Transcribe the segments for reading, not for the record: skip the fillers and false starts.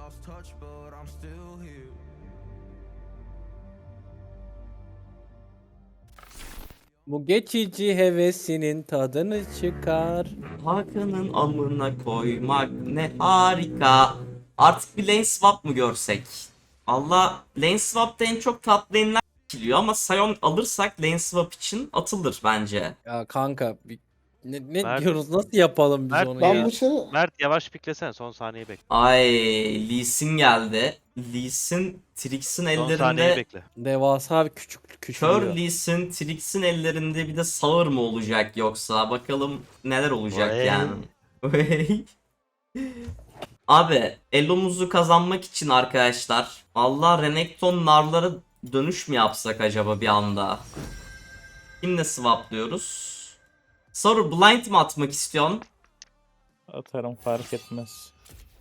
Bu geçici hevesinin tadını çıkar. Hakan'ın amına koymak ne harika. Artık bir lane swap mı görsek? Allah, lane swap'ta en çok top lane'ler geliyor ama Sion alırsak lane swap için atılır bence. Ya kanka ne Mert, diyoruz, nasıl yapalım biz Mert, onu Ben ya? bu sene Mert yavaş piklesene, son saniyeyi bekle. Ay, Lee Sin geldi. Lee Sin Trix'in Son saniyeyi ellerinde. bekle. Devasa bir Kör küçülüyor. Lee Sin Trix'in ellerinde bir de sağır mı olacak yoksa? Bakalım neler olacak Vay. yani. Vay. Abi Elo'muzu kazanmak için arkadaşlar, Allah, Renekton narlara dönüş mü yapsak acaba bir anda? Kimle swaplıyoruz? Soru, blind mi atmak istiyorsun? Atarım, fark etmez.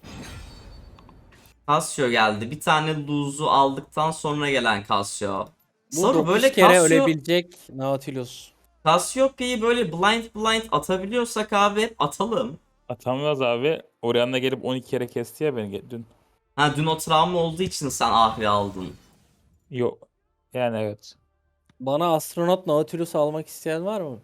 Casio geldi. Bir tane lose'u aldıktan sonra gelen Casio. Bu Soru, 9 böyle kere Casio, ölebilecek Nautilus. Cassiopeia'yı böyle blind atabiliyorsak abi hep atalım. Atamaz abi. Orianna gelip 12 kere kesti ya beni dün. Ha, dün o travma olduğu için sen Ahri aldın. Yok. Yani evet. Bana astronot Nautilus almak isteyen var mı?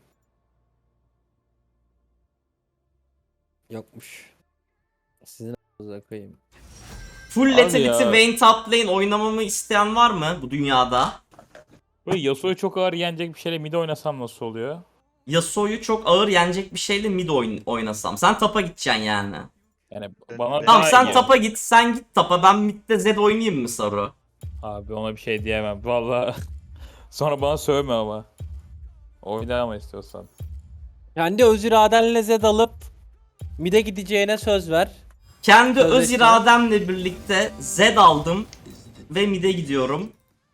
Yokmuş. Sizin a**ınıza koyayım. Full Abi Lethality ya. Vayne top lane oynamamı isteyen var mı bu dünyada? Böyle Yasuo'yu çok ağır yenecek bir şeyle mid oynasam nasıl oluyor? Yasuo'yu çok ağır yenecek bir şeyle mid oynasam. Sen tapa gideceksin yani. Yani bana Tamam, daha sen iyi. tapa git, sen git tapa. Ben midde Zed oynayayım mı Saru? Abi ona bir şey diyemem. Vallahi sonra bana sövme ama. Oynama istiyorsan. Kendi öz iradenle Zed alıp mid'e gideceğine söz ver. Kendi öz Sözleşme. irademle birlikte Zed aldım ve mid'e gidiyorum.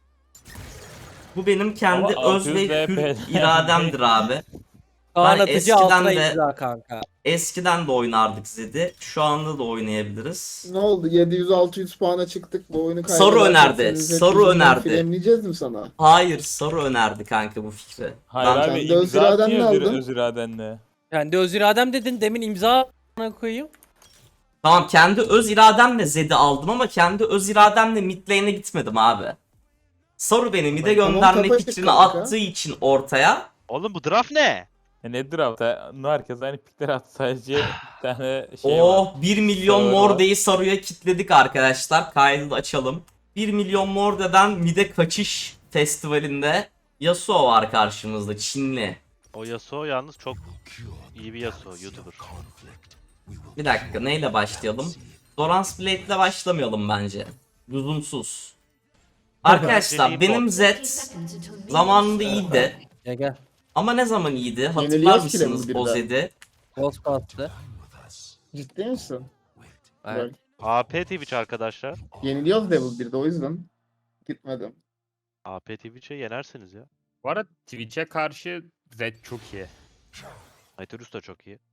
Bu benim kendi Ama öz ve 600 hür DP irademdir abi. Kaan Ben atıcı eskiden altına de- imza kanka. Eskiden de oynardık Zed'i. Şu anda da oynayabiliriz. ne oldu? 700-600 puana çıktık. Bu oyunu Soru önerdi, soru önerdi. Filmleyeceğiz mi sana? Hayır, Saru önerdi kanka bu fikri. Hayır Ben- abi, kendi öz imza iradenle atmıyor aldın. öz iradenle. Kendi öz iradem dedin, demin imza koyayım. Tamam, kendi öz irademle Zed'i aldım ama kendi öz irademle mid lane'e gitmedim abi. Saru beni mid'e Tamam, gönderme kapaştık fikrini kanka. attığı için ortaya. Oğlum bu draft ne? Nedir abi? Herkes aynı pikler attı, sadece bir tane şey var. Oh, 1 milyon Saru var. Morde'yi Saru'ya kitledik arkadaşlar. Kaydı da açalım. 1 milyon Morde'den mid'e kaçış festivalinde Yasuo var karşımızda, Çinli. O Yasuo yalnız çok iyi bir Yasuo, YouTuber. Bir dakika, neyle başlayalım? Doran's Blade ile başlamayalım bence. Lüzumsuz. Arkadaşlar Bence benim bot. Zed zamanında iyiydi. Gel. Ama ne zaman iyiydi? Hatırlar Yeniliyoruz ki mısınız Level o 1'de. Zed'i? Ghost bastı. Ciddi misin? Evet. AP Twitch arkadaşlar. Yeniliyoruz Level 1'de, o yüzden gitmedim. AP Twitch'e yenersiniz ya. Bu arada Twitch'e karşı Zed çok iyi. Nitrus da çok iyi.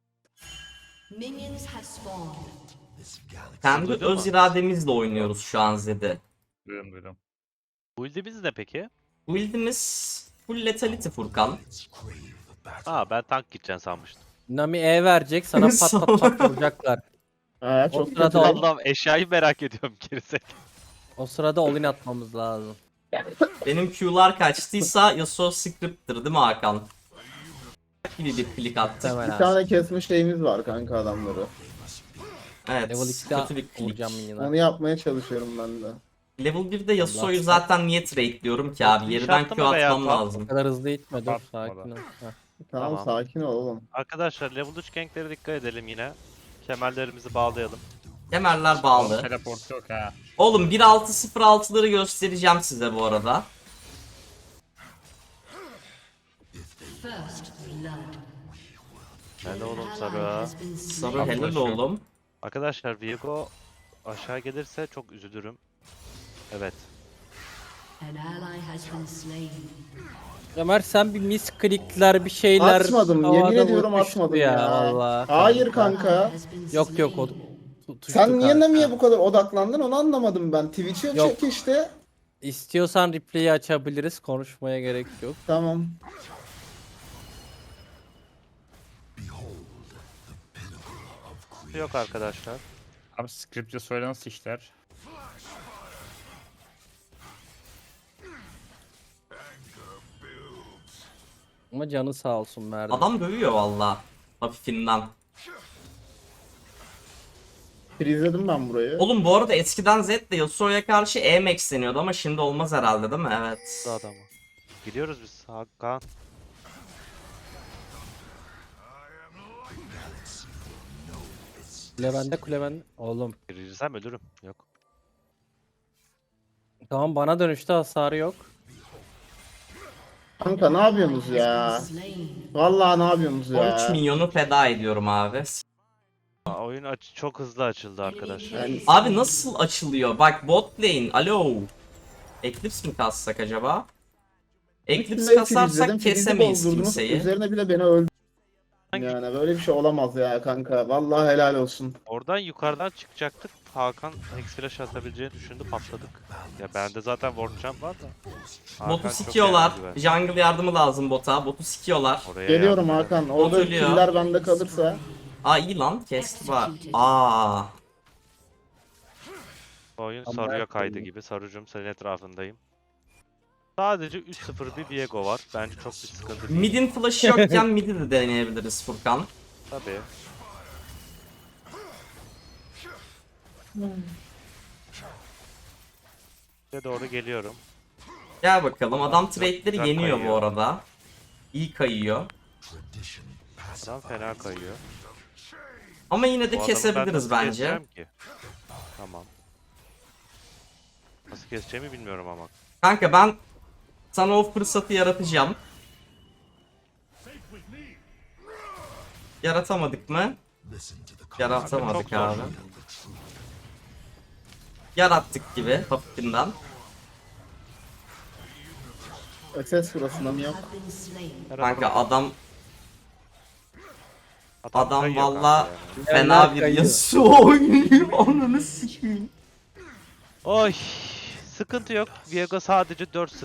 Minions have spawned. Kendi Duydun öz mu? irademizle oynuyoruz şu an Zed'i. Duydum. Build'imiz ne peki? Build'imiz full lethality Furkan. Aa, ben tank gideceğim sanmıştım. Nami E verecek, sana pat pat pat vuracaklar. Ha, O çok sırada kötü. al- Allah'ım, eşyayı merak ediyorum gerizek. O sırada all-in atmamız lazım. Benim Q'lar kaçtıysa Yasuo script'tir değil mi Hakan? Gibi bir klik attı. Hemen Bir abi. tane kesme şeyimiz var kanka adamları. Evet, Level kötü 2'de bir klik. vuracağım minyona. Onu yapmaya çalışıyorum ben de. Level 1'de Yasuo'yu Allah. zaten niye trade'liyorum ki abi? Çok Yeriden inşaatta Q mı veya atmam top? O lazım. kadar hızlı gitme, dur Atmadı. sakin ol. Heh. Tamam, Tamam. sakin ol oğlum. Arkadaşlar level 3 ganklere dikkat edelim yine. Kemerlerimizi bağlayalım. Kemerler bağlı. Teleport yok ha. Oğlum 1.6.06'ları göstereceğim size bu arada. First blood. Helal oğlum Ally Sarı. has been slain. Sarı helal oğlum. Arkadaşlar Viego aşağı gelirse çok üzülürüm. Evet. An ally has been slain. Ömer sen bir misklikler bir şeyler Atmadım, havada yemin ediyorum uçmuştu atmadım ya. Vallahi. Hayır Ally kanka. has been Yok yok, o slain. tutuştu Sen niye kanka. Nami'ye bu kadar odaklandın, onu anlamadım ben. Twitch'e Yok. çek işte. İstiyorsan replay'i açabiliriz, konuşmaya gerek yok. Tamam. Yok arkadaşlar. Abi script'e söyle nasıl işler? Ama canı sağ olsun Merdi. Adam dövüyor valla. Hafifinden. Freezeledim ben burayı. Oğlum bu arada eskiden Zed'le Yasuo'ya karşı E-Max deniyordu ama şimdi olmaz herhalde değil mi? Evet. Bu adamı. Gidiyoruz biz. Hakan. Kule bende, kule bende. Oğlum. Girsem ölürüm. Yok. Tamam, bana dönüşte hasarı yok. Kanka ne yapıyorsunuz ya? Slain. Vallahi ne yapıyorsunuz 13 ya? milyonu feda ediyorum abi. Oyun çok hızlı açıldı arkadaşlar. Yani Abi nasıl açılıyor? Bak bot lane. Alo. Eclipse mi kassak acaba? Eclipse Freeze'ledim, kasarsak freeze'i kesemeyiz bozdurdunuz, kimseyi. Üzerine bile beni öldürdün. Yani böyle bir şey olamaz ya kanka. Vallahi helal olsun. Oradan yukarıdan çıkacaktık. Hakan X-Flash atabileceğini düşündü, patladık. Ya bende zaten Ward Jump var da. Hakan Botu çok sikiyorlar. eğlenceli. Jungle yardımı lazım bota. Botu sikiyorlar. Oraya Geliyorum yardım Hakan. edelim. Orada Oturuyor. killer bende kalırsa. Aa iyi lan. Kesti var. Aa. Oyun Ama sarıya ben- kaydı gibi. Sarucum senin etrafındayım. Sadece 3-0 bir Viego var. Bence çok bir sıkıntı değil. Mid'in flash'ı yokken mid'i de deneyebiliriz Furkan. Tabii. Size doğru geliyorum. Gel bakalım. Adam trade'leri güzel yeniyor bu kayıyor. arada. İyi kayıyor. Adam fena kayıyor. Ama yine Bu de adamı kesebiliriz ben nasıl bence. keseceğim ki? Tamam. Nasıl keseceğimi bilmiyorum ama. Kanka ben sana o fırsatı yaratacağım. Yaratamadık mı? Yaratamadık Çok abi. zor. Yarattık gibi hafifinden. SS burasında mı yok? Have been slain. Kanka adam kayıyor valla kanka yani. fena bir kayıyor. Yasuo oynuyor. Ananı sikeyim. Oy, sıkıntı yok. Viego sadece 4-0.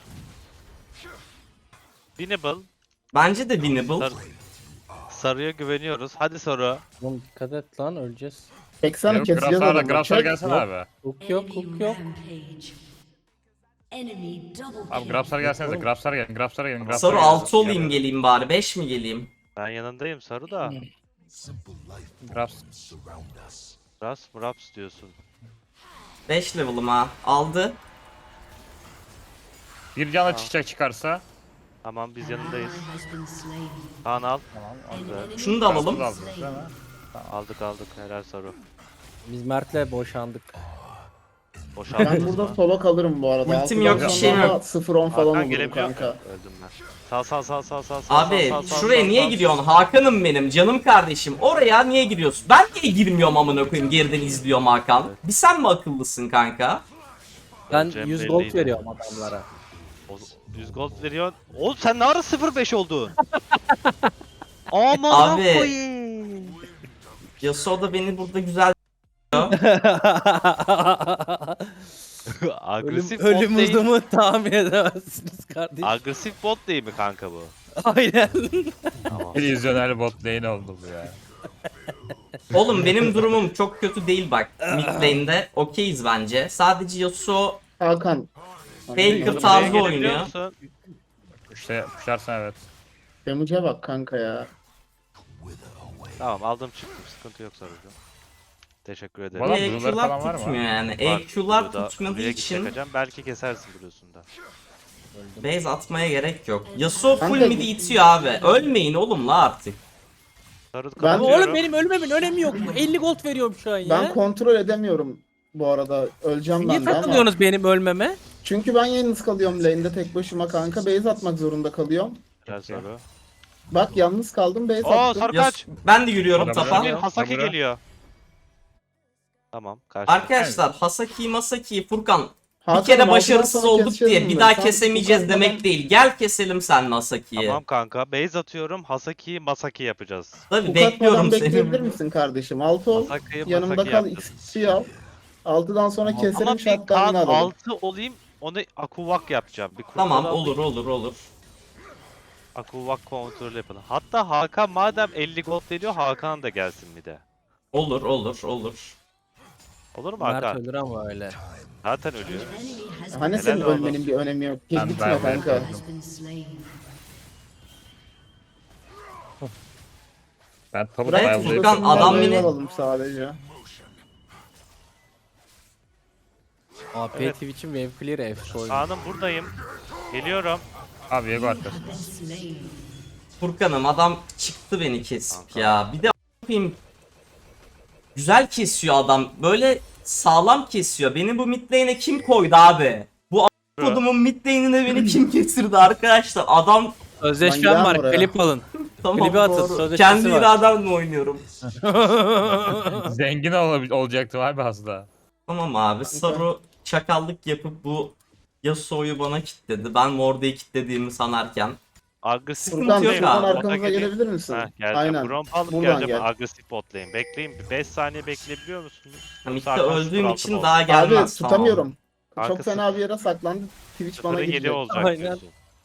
Winnable. Bence de winnable. Sar Sarıya güveniyoruz. Hadi Saru. Oğlum dikkat et lan, öleceğiz. Çeksene keseceğiz Grafsar'a adamı. Grafsar Çek. gelsene Yok. abi. Hook yok, Enemy hook yok. rampage. Enemy double Abi kill. Grafsar gelsenize. Oğlum. Grafsar gelin. Grafsar gelin. Grafsar Saru gelin. 6 olayım geleyim bari. 5 mi geleyim? Ben yanındayım Saru da. Grafs. Raps diyorsun. 5 level'ım ha. Aldı. Bir canla çiçek çıkarsa. Tamam biz An yanındayız. ally has been slain. Kaan al. An enemy Şunu da alalım. has Aldınız been değil mi? Aldık. Helal Saru. Biz Mert'le boşandık. Ben Boşaldınız burada mı? solo kalırım bu arada. Ultim Altıdan yok, bir sonra şeyim yok. 0-10 falan Hakan olurum gelebiliyor mu? kanka. Öldüm ben. Sal. Abi şuraya niye gidiyorsun? Hakan'ım benim canım kardeşim. Oraya niye giriyorsun? Ben niye girmiyorum amına koyayım, geriden izliyorum Hakan. Bir sen mi akıllısın kanka? Ben Öleceğim 100 gold belliydi. veriyorum adamlara. 100 gold veriyorsun. Oğlum sen ne ara 0-5 oldun? Aman Abi. koyayım. Yasuo da beni burada güzel Agresif Ölüm bot değil. hızımı tahmin edemezsiniz kardeşim. Agresif bot değil mi kanka bu? Aynen. Tamam. Vizyoner bot lane oldu bu ya. Oğlum benim durumum çok kötü değil bak. Mid lane'de okeyiz bence. Sadece Yasuo Hakan. Faker Buraya tarzı gelebiliyor oynuyor. musun? İşte kuşarsan evet. Damage'e bak kanka ya. Tamam aldım çıktım. Sıkıntı yok Sarucuğum. Teşekkür ederim. Valla Bir blue'ları falan var EQ'lar mı? tutmuyor yani. Var. EQ'lar Burada tutmadığı buraya için çekeceğim. Belki kesersin Blue'sunda. base atmaya gerek yok. Yasuo full Kanka- mid'i itiyor abi. Ölmeyin oğlum la artık. Sarı Ben- kapatıyorum. Oğlum benim ölmemin önemi yok. 50 gold veriyorum şu an ya. Ben kontrol edemiyorum bu arada. Öleceğim Niye ben de ama. takılıyorsunuz benim ölmeme? Çünkü ben yalnız kalıyorum lane'de tek başıma kanka. Base atmak zorunda kalıyorum. Gel Saru. Bak yalnız kaldım base Oo attım. Sarı kaç. Ben de yürüyorum Adam tapa. ölüyor. Hasaki Sabura. geliyor. Tamam kaçtı. Arkadaşlar Hasaki, Furkan bir Hakan, kere altından başarısız sonra olduk keseceğiz diye mi? bir daha Sen kesemeyeceğiz bu demek katmadan- değil. Gel keselim seninle Hasaki'yi. Tamam kanka. Base atıyorum. Hasaki'yi Masaki yapacağız. Tabii Bu bekliyorum katmadan bekleyebilir seni. misin kardeşim? 6 ol. Hasaki'yi Yanımda Masaki kal. yapacağız. XP al. 6'dan sonra Ama keselim bir Kaan shutdown'ını alalım. 6 olayım. Onu Akuvak yapacağım. Bir Tamam kurtaralım. olur. Akuvak kontrol yapalım. Hatta Hakan madem 50 gold veriyor Hakan da gelsin bir de. Olur. Olur mu Mert Hakan? ölür ama öyle. Zaten ölüyor. Enemy has Hani been, senin Helal ölmenin bir önemi yok. Git Ben gitme ben kanka. has been slain. Ben tabu Bırak ayarlayıp Furkan, adam Wave yine- alalım sadece. AP Evet. Twitch'in wave clear efsi oyunu. Kaan'ım buradayım. Geliyorum. abi Viego You arkası. have been slain. Furkan'ım adam çıktı beni kesip ya. Bir de a**ayım, güzel kesiyor adam. Böyle sağlam kesiyor. Beni bu mid lane'e kim koydu abi? Bu kodumun mid lane'ine beni kim getirdi arkadaşlar? Adam Sözleşmem Ben var. gelmem oraya. Klip alın. tamam Klibi atın, doğru. sözleşmesi Kendi var. irademle oynuyorum. Zengin olacaktım abi aslında. Tamam abi. Saru çakallık yapıp bu Yasuo'yu bana kilitledi. Ben Morda'yı kilitlediğimi sanarken. Agresif Furkan, Furkan yok şuradan abi. arkamıza gelebilir misin? Heh, geleceğim. Aynen. Gromp alıp Buradan geleceğim. gel. Agresif botlayın. Bekleyin. Bir 5 saniye bekleyebiliyor musunuz? Mid'de Yoksa Hakan öldüğüm 06 için mı daha oldu? gelmez. Abi tutamıyorum. Çok Arkası- fena bir yere saklandı. Twitch bana 0'a 7 girecek. olacak Aynen. diyorsun.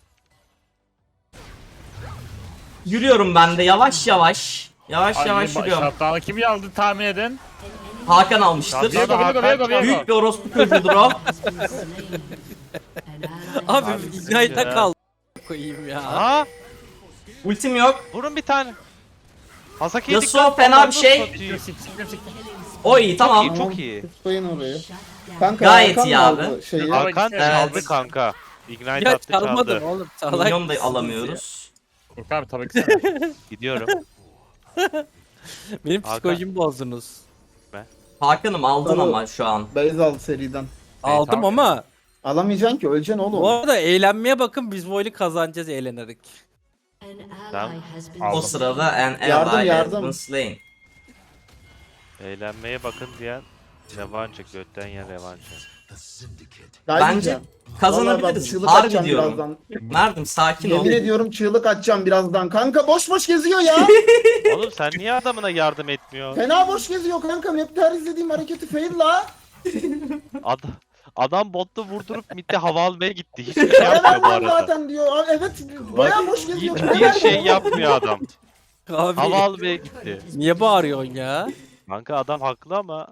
Yürüyorum ben de yavaş yavaş. Yavaş Ay, yavaş yürüyorum. Şaptanı kim aldı tahmin edin. Hakan almıştır. Viego Viego Viego Viego. Büyük bir orospu çocuğudur o. An ally Abi Ignite'a kal. Koyayım ya. Aa! Ultim yok. Vurun bir tane. Hasaki'ye Yasuo dikkat. fena bir Nasıl şey. satıyor? O iyi tamam. İyi, çok iyi. Tutmayın orayı. shut down. Kanka Gayet Hakan iyi mı abi. aldı Şeyi. Hakan Evet. çaldı kanka. Ignite Ya attı çalmadım çaldı. oğlum. Salak Milyon da mısınız alamıyoruz. Furkan abi tabii ki sen. Gidiyorum. ya? Benim Hakan. psikolojimi bozdunuz. Hakan'ım aldın Tamam. ama şu an. Base aldı seriden. Aldım tamam. ama Alamayacaksın ki öleceksin oğlum. bu arada eğlenmeye bakın, biz bu oyunu kazanacağız eğlenerek. An Tamam. ally has been O Aldım. sırada an Yardım, ally has yardım. been slain. Eğlenmeye bakın diyen revanche. Götten yen revanche. Bence kazanabiliriz. Harbi diyorum. Birazdan. Merdim sakin ol. Yemin ediyorum çığlık atacağım birazdan. Kanka boş boş geziyor ya. Oğlum sen niye adamına yardım etmiyor? Fena boş geziyor kanka. Map'te her izlediğim hareketi fail la. Adam botu vurdurup midde hava almaya gitti. Hiçbir şey yapmıyor Hemen bu lan arada. zaten diyor. Aa, evet bayağı boş geziyor. Hiçbir şey yapmıyor adam. Abi Hava almaya gitti. niye bağırıyorsun ya? Kanka adam haklı ama.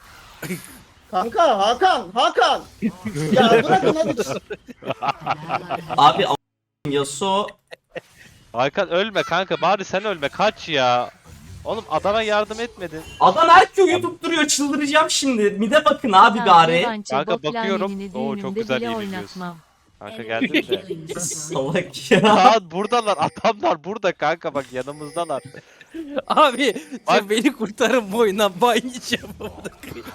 Kanka Hakan. Ya bırakın hadi. An ally Abi Yasuo Hakan ölme kanka, bari sen ölme, kaç ya. Oğlum adama yardım etmedin. adam her köyü tutturuyor, çıldıracağım şimdi. Mide bakın abi bari. Kanka bakıyorum. Oo, çok güzel iyi biliyorsun. Kanka geldin mi? killing spree. Salak ya. Kaan buradalar, adamlar burada kanka, bak yanımızdalar. Abi Bak. sen beni kurtarın bu oyundan, ban yiyeceğim burada.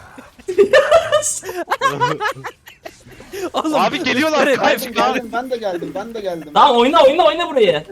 Oğlum, Abi geliyorlar, lütfen kaç, ben- kaç. Ben de geldim. Tamam oyna burayı.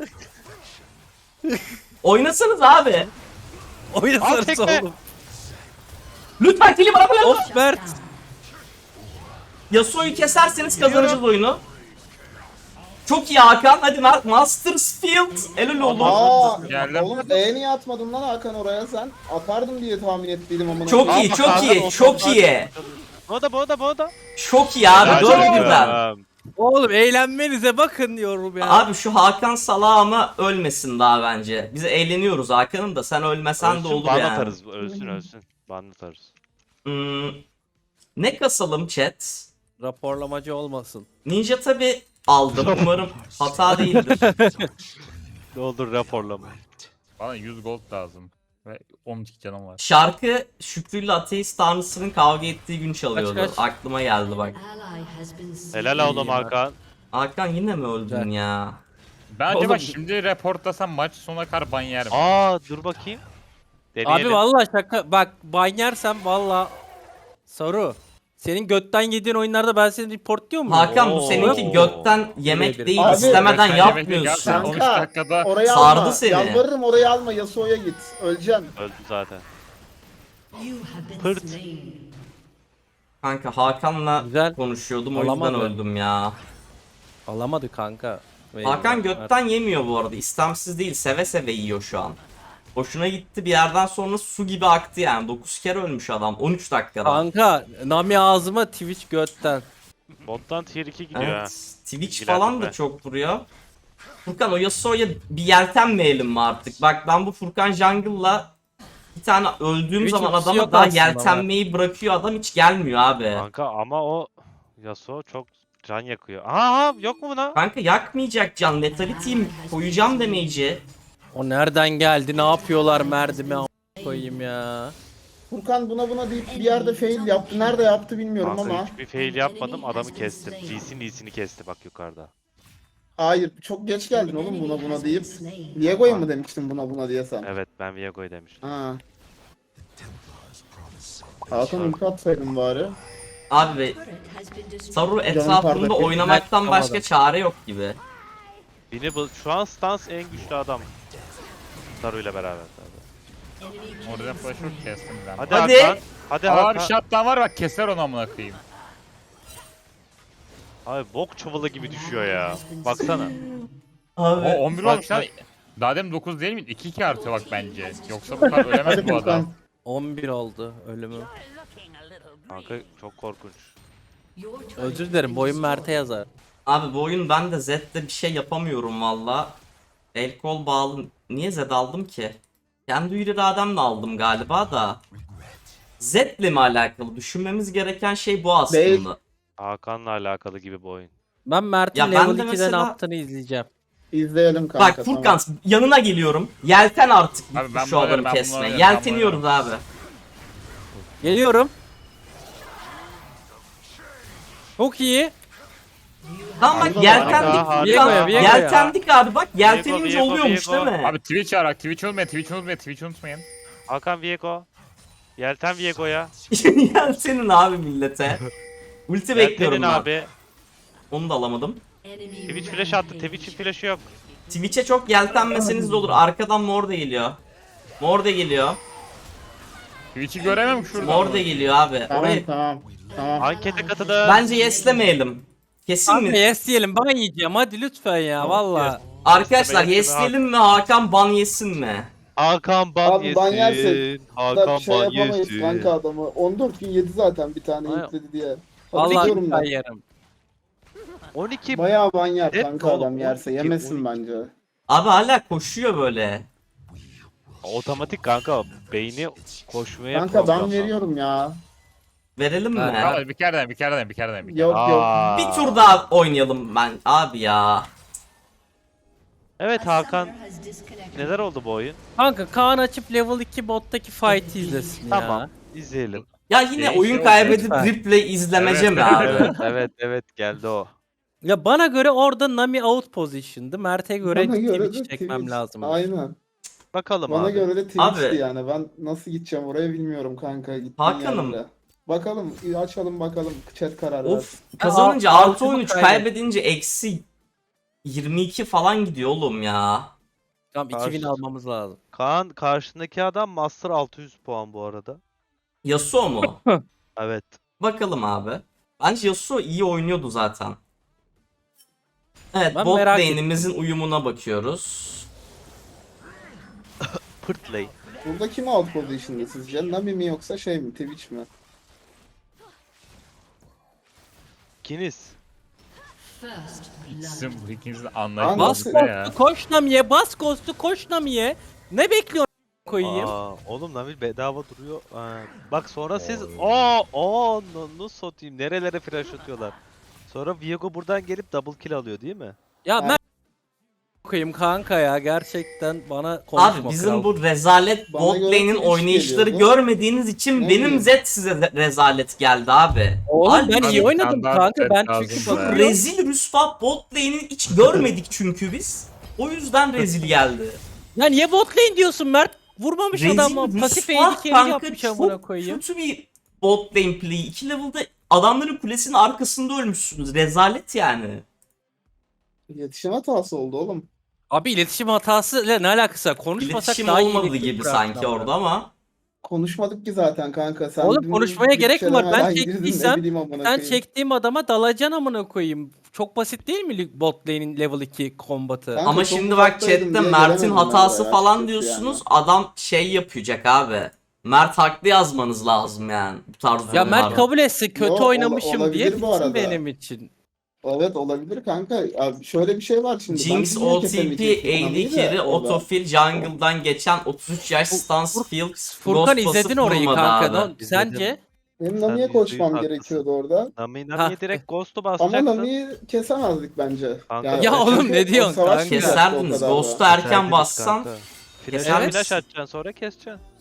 Oynasanız abi. Al Oynasanız tekme. oğlum. Lütfen kili bana bırakın. Of Mert. Yasuo'yu keserseniz kazanacağız oyunu. Çok iyi Hakan. Hadi Mastersfield. Elul olur. Aa, Geldim. oğlum niye atmadın lan Hakan oraya sen? Atardım diye tahmin ettiydim amına. Çok koyayım. iyi, çok iyi, çok iyi. Bu da. Çok iyi abi. Helal Dört olsun. birden. Oğlum eğlenmenize bakın diyorum ya. Abi şu Hakan salağı ama ölmesin daha bence. Biz eğleniyoruz Hakan'ım da sen ölmesen de Ölsün, olur ban yani. atarız, ölsün. Ban atarız. Hmm, ne kasalım chat? Raporlamacı olmasın. Ninja tabi aldım. Umarım hata değildir. Ne olur raporlama. Bana 100 gold lazım. Ve 12 canım var. Şarkı Şükrü ile Ateist Tanrısı'nın kavga ettiği gün çalıyordu. Kaç, kaç? Aklıma geldi bak. Ally has been slain. Helal oğlum Hakan. Hakan yine mi öldün Güzel. ya? Ben acaba Oğlum- şimdi reportlasam maç sonuna kadar ban yerim. Aa dur bakayım. Deneyelim. Abi vallahi şaka, bak ban yersem valla soru. Senin götten yediğin oyunlarda ben seni report diyor muyum? Hakan bu Oo. seninki götten yemek Nedir? değil, Abi, istemeden Gökten yemek yapmıyorsun. gerçekten 13 Kanka dakikada orayı sardı alma. seni. Yalvarırım orayı alma. Yasuo'ya git. Öleceksin. Öldü zaten. You have been Pırt. slain. Kanka Hakan'la Güzel. konuşuyordum o yüzden Alamadı. öldüm ya. Alamadı kanka. Hakan götten yemiyor bu arada. İstemsiz değil, seve seve yiyor şu an. Hoşuna gitti, bir yerden sonra su gibi aktı yani. 9 kere ölmüş adam 13 dakikada. Kanka Nami ağzıma, Twitch götten. Bottan tier 2 gidiyor ha. Evet. Twitch İlgilendim falan da ben. çok vuruyor. Furkan o Yasuo'ya bir yeltenmeyelim mi artık? Bak ben bu Furkan Jungle'la Bir tane öldüğüm Hiç zaman ultisi adama yok daha aslında yeltenmeyi bırakıyor, adam hiç gelmiyor abi. Kanka ama o Yasuo çok can yakıyor. Aha yok mu buna? Kanka yakmayacak can. Letality'yim koyacağım damage'i. O nereden geldi? Ne yapıyorlar merdime koyayım ya. Furkan buna deyip bir yerde fail yaptı. Nerede yaptı bilmiyorum Kanka ama. hiçbir fail yapmadım, adamı kestim. Lee'sini kesti bak yukarıda. Hayır, çok geç geldin oğlum buna deyip. Diego'ya mı demiştin buna diye sen? Evet ben Viego'yu demiştim. Ha. Hakan ulti atsaydın bari. Abi be, Turret has been destroyed. Saru Canım etrafında pardon. oynamaktan başka Yapamadım. çare yok gibi. Şu an stans en güçlü adam. Saru ile beraber tabii. Orada flash yok, kestim ben. Hadi, Hadi. Hakan. Hadi Aa bir Hakan. shutdown var bak, keser onu amına koyayım. Abi bok çuvalı gibi düşüyor ya. Baksana. O Abi 11 bak, olmuş lan. Daha demin 9 değil mi? 2-2 artıyor bak bence. Yoksa bu kadar ölemez Hadi bu adam. Furkan. 11 oldu ölümü. Kanka çok korkunç. Your turret Özür dilerim, boyun Mert'e yazar. Abi bu oyun ben de Zed'de bir şey yapamıyorum valla. El kol bağlı. Niye Zed aldım ki? Kendi irademle aldım galiba da. Zed'le mi alakalı? Düşünmemiz gereken şey bu aslında. Değil. Hakan'la alakalı gibi bu oyun. Ben Mert'in Ya ben level de 2'de mesela- ne yaptığını izleyeceğim. İzleyelim kanka. Bak Furkan yanına geliyorum. Yelten artık Abi ben şu bunu adamı alırım, ben bunu kesme. alırım, ben Yelteniyoruz abi. Geliyorum. Çok iyi. Tamam bak Harika, yeltendik harika. Furkan. Viego'ya, Viego'ya. Yeltendik abi bak yeltenince Viego, oluyormuş Viego. değil mi? Abi Twitch arak, Twitch olmayın, Twitch unutmayın. Hakan Viego. Yelten Viego'ya. Yeltenin abi millete. Ulti bekliyorum Yeltenin ben. abi. Onu da alamadım. enemy Twitch flash attı. Twitch'in flash'ı yok. Twitch'e çok yeltenmeseniz de olur. Arkadan mor da geliyor. Mor da geliyor. Twitch'i göremem şurada. Mor da geliyor abi. Tamam Orayı tamam. Ankete katılın. bence yeslemeyelim. Kesin Kanka mi? yes diyelim, ben yiyeceğim hadi lütfen ya valla. Arkadaşlar Yeslemeyelim. yesleyelim mi Hakan ban yesin mi? Hakan ban Abi ban yersek yesin. Da Hakan bir şey ban yapamayız yesin. kanka adamı. 14 gün yedi zaten bir tane Ay- yükledi diye. Vallahi Hatırlıyorum lütfen ben. yerim. 12 Bayağı ban yer Evet, kanka adam oğlum, yerse. 12, Yemesin 12. bence. Abi hala koşuyor böyle. otomatik kanka beyni koşmaya Kanka ben programlandı. veriyorum ya. Verelim mi? Tamam, bir kere daha. Yok yok. Aa. Bir tur daha oynayalım ben abi ya. Evet Hakan, has disconnected. neler oldu bu oyun? Kanka Kaan açıp level 2 bottaki fight'i izlesin Tamam, ya. izleyelim. Ya yine Değişiyor, oyun kaybedip lütfen. replay izlemece Evet, mi abi? evet geldi o. Ya bana göre orada Nami out position'dı. Mert'e göre Bana göre de Twitch çekmem Twitch. lazım. Aynen. Bakalım Bana abi. göre de Twitch'ti Abi. yani. Ben nasıl gideceğim oraya bilmiyorum kanka. Gittiğin Hakan'ım. yerlere. Bakalım açalım bakalım. Chat karar Of versin. kazanınca Aa, artı altını 13 kaybedince eksi 22 falan gidiyor oğlum ya. Tamam 2000 almamız lazım. Kaan karşındaki adam Master 600 puan bu arada. Yasuo mu? Evet. Bakalım abi. Bence Yasuo iyi oynuyordu zaten. Evet Ben bot merak lane'imizin uyumuna bakıyoruz. Pırtlay. Burada kim out position'da sizce? Nami mi yoksa şey mi? Twitch mi? İkiniz. First blood. Sizin bu ikinizin Bas Bas anlaşması ne ya? Ghost'u koş Nami'ye, bas Ghost'u koş Nami'ye. Ne bekliyorsun koyayım? Oğlum Nabil bedava duruyor. Bak sonra siz Oy. nasıl satayım, nerelere flash atıyorlar. Sonra Viego buradan gelip double kill alıyor değil mi? Ya Abi- ben koyayım kanka ya gerçekten bana konuşma Abi bizim kral. bu rezalet Bana bot göre lane'in Twitch oynayışları geliyordu. görmediğiniz için Ne benim bileyim. Z size rezalet geldi abi. Oğlum ben Halbuki iyi oynadım standart kanka, ben set çünkü lazım be. bakıyorum. rezil rüsva bot lane'i hiç görmedik çünkü biz. O yüzden rezil geldi. Ya niye bot lane diyorsun Mert? Vurmamış adam mı? Pasif rüsva AD carry kanka, yapmış amına çok koyayım. kötü bir bot lane play. 2 level'da adamların kulesinin arkasında ölmüşsünüz. Rezalet yani. İletişim hatası oldu oğlum. Abi iletişim hatasıyla ne alakası var? Konuşmasak İletişim daha iyi olmadığı iletişim gibi kurarsın sanki ama. orada ama. Konuşmadık ki zaten kanka. Sen Oğlum dün konuşmaya bir gerek mi var? Ben çelemeden girdin, çektiysem ne bileyim amına Sen koyayım. çektiğim adama dalacaksın amına koyayım. Çok basit değil mi bot lane'in level 2 kombatı? Kanka Ama çok şimdi bak uzaktaydım chatte diye Mert'in gelemedim hatası ben de falan açıkçası diyorsunuz. yani. Adam şey yapacak abi. Mert haklı yazmanız lazım yani bu tarz Ya durumlarda. Mert kabul etsin kötü Yo, oynamışım olabilir diye bu bitsin arada. benim için. Evet olabilir kanka. Abi şöyle bir şey var şimdi. Jinx, Ben niye OTP, kesemeyecektim AD Nami'yi de carry, orada? autofill, jungle'dan geçen 33 yaş stance field, Furkan ghost izledin pasif orayı vurmadı kanka. abi. Sence? Benim Sen Nami'ye %100 koşmam haklısın. gerekiyordu orada. Nami'ye direkt Ghost'u Ama basacaktın. Nami'yi kesemezdik bence. Kanka, Ya oğlum çünkü ne diyorsun o savaş kanka? yiyecekti o Keserdiniz. kadar da. Ghost'u erken Keserdiniz bassan kanka. keser Flash misin? atacaksın sonra keseceksin.